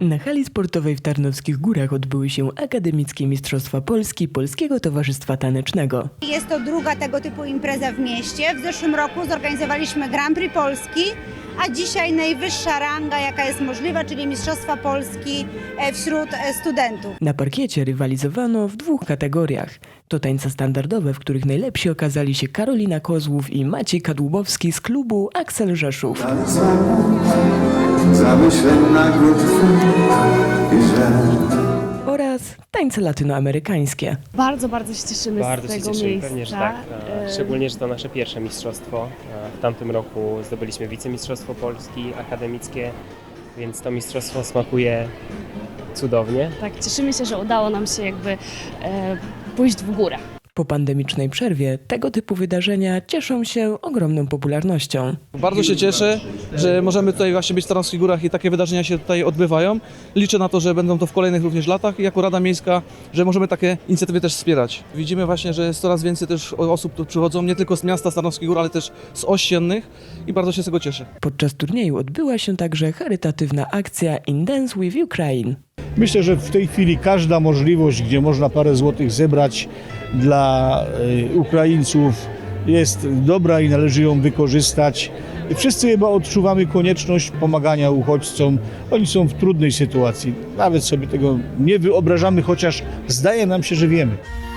Na hali sportowej w Tarnowskich Górach odbyły się Akademickie Mistrzostwa Polski Polskiego Towarzystwa Tanecznego. Jest to druga tego typu impreza w mieście. W zeszłym roku zorganizowaliśmy Grand Prix Polski, a dzisiaj najwyższa ranga, jaka jest możliwa, czyli Mistrzostwa Polski wśród studentów. Na parkiecie rywalizowano w dwóch kategoriach. To tańce standardowe, w których najlepsi okazali się Karolina Kozłów i Maciej Kadłubowski z klubu Axel Rzeszów. Zamyśleń nagród i żal. Oraz tańce latynoamerykańskie. Bardzo się cieszymy Bardzo z się tego cieszymy, miejsca. pewnie, że tak. Szczególnie, że to nasze pierwsze mistrzostwo. W tamtym roku zdobyliśmy wicemistrzostwo Polski akademickie, więc to mistrzostwo smakuje cudownie. Tak, cieszymy się, że udało nam się pójść w górę. Po pandemicznej przerwie tego typu wydarzenia cieszą się ogromną popularnością. Bardzo się cieszę, że możemy tutaj właśnie być w Tarnowskich Górach i takie wydarzenia się tutaj odbywają. Liczę na to, że będą to w kolejnych również latach i jako Rada Miejska, że możemy takie inicjatywy też wspierać. Widzimy właśnie, że jest coraz więcej też osób tu przychodzą, nie tylko z miasta Tarnowskich Gór, ale też z ościennych i bardzo się z tego cieszę. Podczas turnieju odbyła się także charytatywna akcja In Dance with Ukraine. Myślę, że w tej chwili każda możliwość, gdzie można parę złotych zebrać dla Ukraińców, jest dobra i należy ją wykorzystać. Wszyscy chyba odczuwamy konieczność pomagania uchodźcom. Oni są w trudnej sytuacji. Nawet sobie tego nie wyobrażamy, chociaż zdaje nam się, że wiemy.